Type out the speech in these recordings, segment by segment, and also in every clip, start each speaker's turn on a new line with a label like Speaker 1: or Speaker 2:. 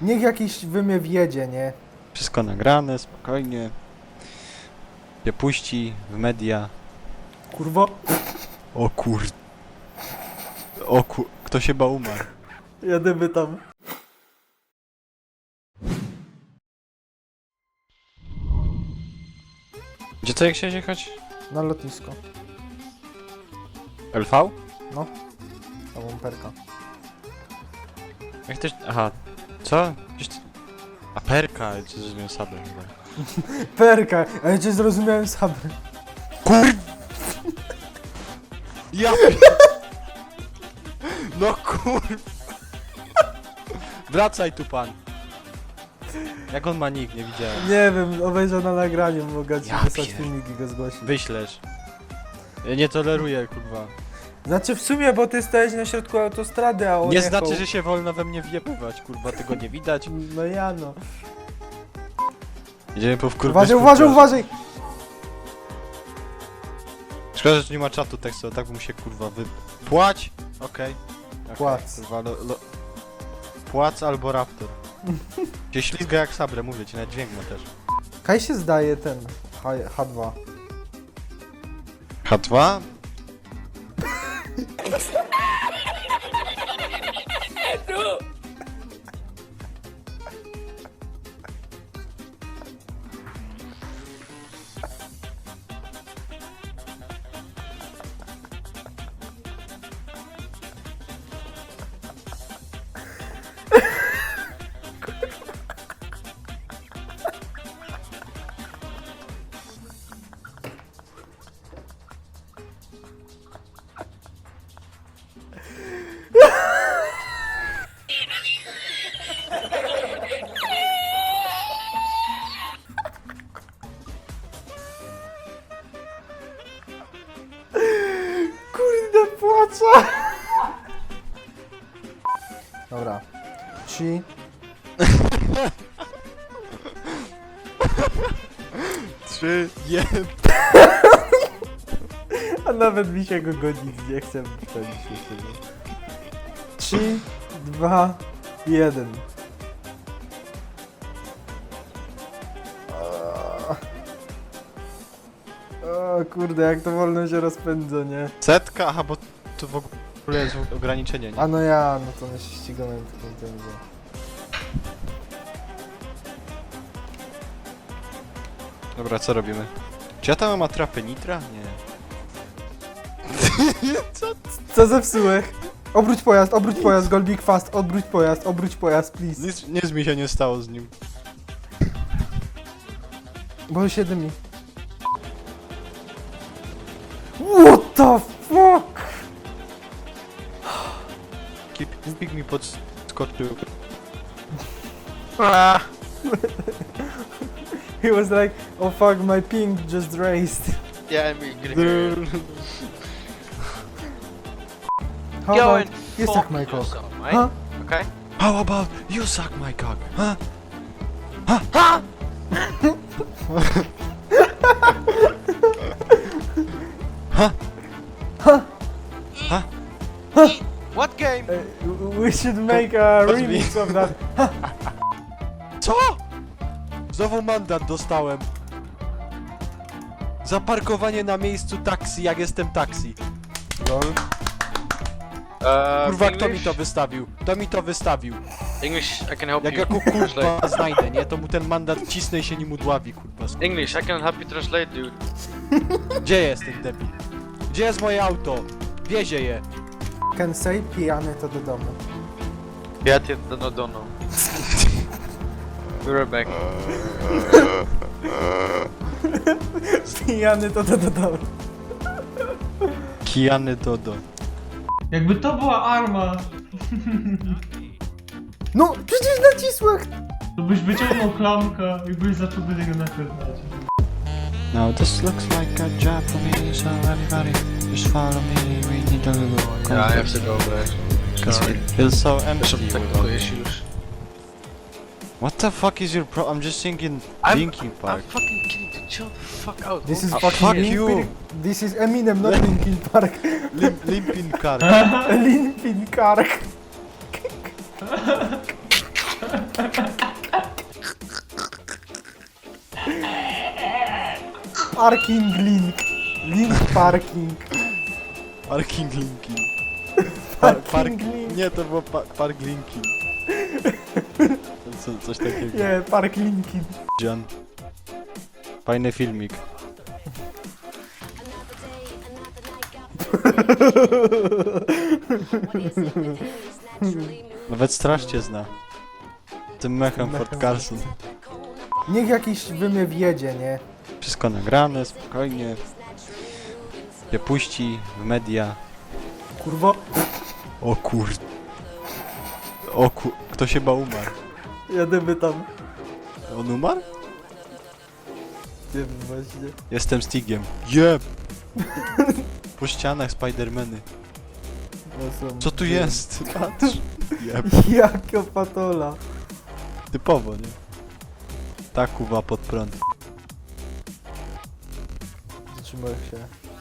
Speaker 1: Niech jakiś wymiew jedzie, nie?
Speaker 2: Wszystko nagrane, spokojnie. Się puści w media.
Speaker 1: Kurwa.
Speaker 2: O kur... Kto się ba umarł?
Speaker 1: Jadymy tam.
Speaker 2: Gdzie to jak chciałeś jechać?
Speaker 1: Na lotnisko.
Speaker 2: LV?
Speaker 1: Ta łąperka.
Speaker 2: Jak też... Aha. Co? Gdzieś... A perka, czy zrozumiałem sabę chyba.
Speaker 1: Perka! A ja cię zrozumiałem sam.
Speaker 2: Kur... Ja... No kur... Wracaj tu pan. Jak on ma nick, nie widziałem.
Speaker 1: Nie wiem, obejrzę na nagraniu, mogę ci
Speaker 2: Ja
Speaker 1: wysłać
Speaker 2: pier-
Speaker 1: filmik i go zgłosić.
Speaker 2: Wyślesz. Ja nie toleruję, kurwa.
Speaker 1: Znaczy w sumie, bo ty stałeś na środku autostrady, a on
Speaker 2: Nie
Speaker 1: jechał.
Speaker 2: znaczy, że się wolno we mnie wjebywać, kurwa, tego nie widać.
Speaker 1: No ja no.
Speaker 2: Idziemy po wkurwić.
Speaker 1: Uważaj, uważaj, uważaj!
Speaker 2: Szkoda, że tu nie ma czatu tekstu, tak bym się kurwa Płać! Okej. Okay.
Speaker 1: Płac.
Speaker 2: Kurwa, Płac albo raptor. Się ślizga jak sabre, mówię ci, nawet dźwięk ma też.
Speaker 1: Kaj się zdaje ten H2.
Speaker 2: H2?
Speaker 1: Kurde, płaczę! Dobra. 3.
Speaker 2: Trzy, jeden.
Speaker 1: A nawet mi się go godzić nie chcę wchodzić jeszcze. 3, 2, 1. O kurde, jak to wolno się rozpędza, nie?
Speaker 2: Setka? Aha, bo tu w ogóle jest ograniczenie, nie?
Speaker 1: A no ja, no to my się ścigamy w takim tempie.
Speaker 2: Dobra, co robimy? Czy ja tam mam atrapę nitra? Nie.
Speaker 1: Co zepsułeś? Obróć pojazd, Golbik fast, obróć pojazd, please.
Speaker 2: Nic mi się nie stało z nim.
Speaker 1: Bo się dymi. What the fuck?
Speaker 2: Kipik mi podskoczył.
Speaker 1: He was like, oh fuck, my ping just raised.
Speaker 3: Yeah, me getting
Speaker 1: How
Speaker 3: Go
Speaker 1: about
Speaker 3: and
Speaker 1: you
Speaker 3: fuck
Speaker 1: suck my cock?
Speaker 3: yourself, mate.
Speaker 1: Huh?
Speaker 3: Okay?
Speaker 2: How about you suck my cock? Huh?
Speaker 3: What game?
Speaker 1: We should make a
Speaker 2: What's
Speaker 1: remix of that.
Speaker 2: Co? Znowu mandat dostałem. Za parkowanie na miejscu taksi, jak jestem taksi.
Speaker 1: Lol.
Speaker 2: Kurwa, kto mi
Speaker 3: English?
Speaker 2: to wystawił? Kto mi to wystawił?
Speaker 3: English, I can help
Speaker 2: Jak
Speaker 3: you
Speaker 2: ja
Speaker 3: translate.
Speaker 2: kurwa znajdę, nie? To mu ten mandat cisnę i się nim udławi, kurwa.
Speaker 3: English, I can help you translate, dude.
Speaker 2: Gdzie jest ten debil? Gdzie jest moje auto? Wiezie je.
Speaker 1: Can say pijany to do domu.
Speaker 3: Ja cię dono. We're right back.
Speaker 1: Pijany to do domu.
Speaker 2: Kijany Dodo.
Speaker 4: Jakby to była arma,
Speaker 1: No, przecież nacisłeś!
Speaker 4: to byś wyciągnął klamkę i byś zaczął do niego nakręcać.
Speaker 2: Now this looks like a job for me, so everybody just follow me. We need a little
Speaker 3: Yeah, I have to go, but...
Speaker 2: Because it feels so empty
Speaker 3: Some technical
Speaker 2: without it.
Speaker 3: issues.
Speaker 2: What the fuck is your I'm just thinking
Speaker 3: I'm
Speaker 2: Linkin
Speaker 3: I'm
Speaker 2: Park.
Speaker 3: fucking kidding, dude. Chill the fuck out.
Speaker 1: This is
Speaker 3: bro.
Speaker 1: fucking
Speaker 2: fuck
Speaker 1: Linkin
Speaker 2: you.
Speaker 1: This is Eminem, not Linkin Park.
Speaker 2: Limpin Park.
Speaker 1: Linkin Park. Parking link. Link parking.
Speaker 2: Parking linking.
Speaker 1: Parking link.
Speaker 2: Nie, to było park linking. Coś takiego.
Speaker 1: Nie, park linki.
Speaker 2: John. Fajny filmik. Nawet straż cię zna. Tym mechem Fort Carson.
Speaker 1: Niech jakiś wymyw jedzie, nie?
Speaker 2: Wszystko nagrane, spokojnie. Się puści w media.
Speaker 1: Kurwo.
Speaker 2: O kur... O kur... Kto się umarł?
Speaker 1: Jedziemy tam.
Speaker 2: On umarł?
Speaker 1: Nie wiem właśnie.
Speaker 2: Jestem Stigiem. Jeb! Po ścianach Spidermany.
Speaker 1: No są-
Speaker 2: Co tu jest? Patrz. Jeb.
Speaker 1: Jaka patola.
Speaker 2: Typowo, nie? Ta kuwa pod prąd.
Speaker 1: Zatrzymaj się.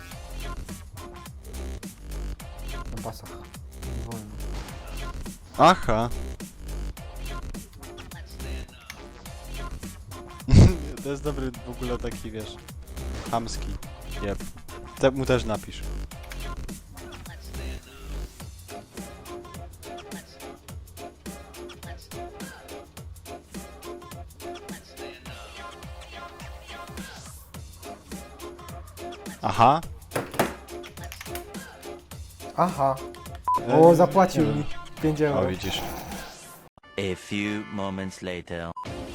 Speaker 1: Na pasach. Nie wolno.
Speaker 2: Aha. To jest dobry w ogóle taki, wiesz, chamski. Jeb. Tak mu też napisz. Aha.
Speaker 1: Aha. O, zapłacił
Speaker 2: Nie
Speaker 1: mi
Speaker 2: wiem.
Speaker 1: 5
Speaker 2: O,
Speaker 1: euro.
Speaker 2: widzisz.
Speaker 5: A few moments later.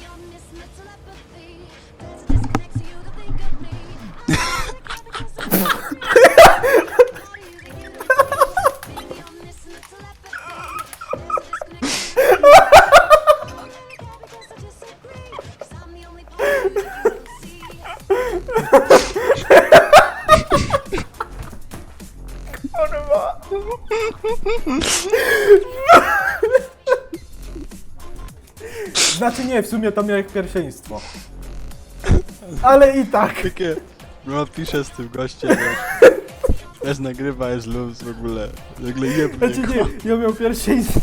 Speaker 1: Znaczy nie, w sumie to miałeś pierwszeństwo. Ale i tak.
Speaker 2: Takie... No piszę z tym gościem, wiesz. Też nagrywa, jest luz w ogóle. Nagle jebnie
Speaker 1: Znaczy
Speaker 2: go.
Speaker 1: nie, ja miał pierwszeństwo.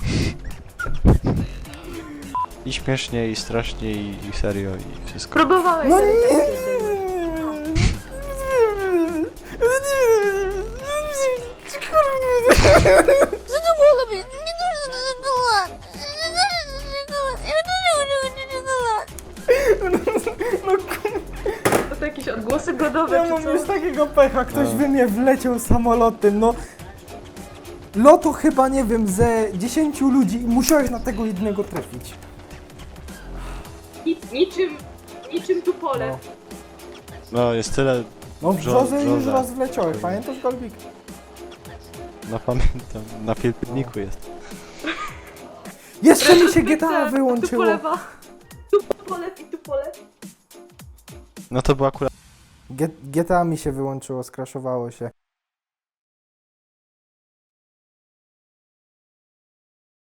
Speaker 2: I śmiesznie, i strasznie, i serio, i wszystko.
Speaker 6: Próbowałeś.
Speaker 1: No
Speaker 6: ale
Speaker 1: nie.
Speaker 6: tak się
Speaker 7: Co to mogło być? Nie dużo do czekolad.
Speaker 6: To jakieś odgłosy godowe
Speaker 1: Ja
Speaker 6: czy
Speaker 1: mam
Speaker 6: co?
Speaker 1: już takiego pecha, ktoś
Speaker 2: No.
Speaker 1: we mnie wleciał samolotem, no. Lotu chyba, nie wiem, ze 10 ludzi i musiałeś na tego jednego trafić.
Speaker 6: Niczym tu pole.
Speaker 2: No, jest tyle...
Speaker 1: No w brzozę już
Speaker 2: Brzoza.
Speaker 1: raz wleciałeś, pamiętasz, Golbik?
Speaker 2: No pamiętam, na filmiku jest.
Speaker 1: Jeszcze mi się
Speaker 6: Zbyt
Speaker 1: GTA
Speaker 6: tak, Tu
Speaker 1: wyłączyło.
Speaker 6: polewa. Tu pole i tu pole.
Speaker 2: No to był akurat...
Speaker 1: GTA mi się wyłączyło, skraszowało się.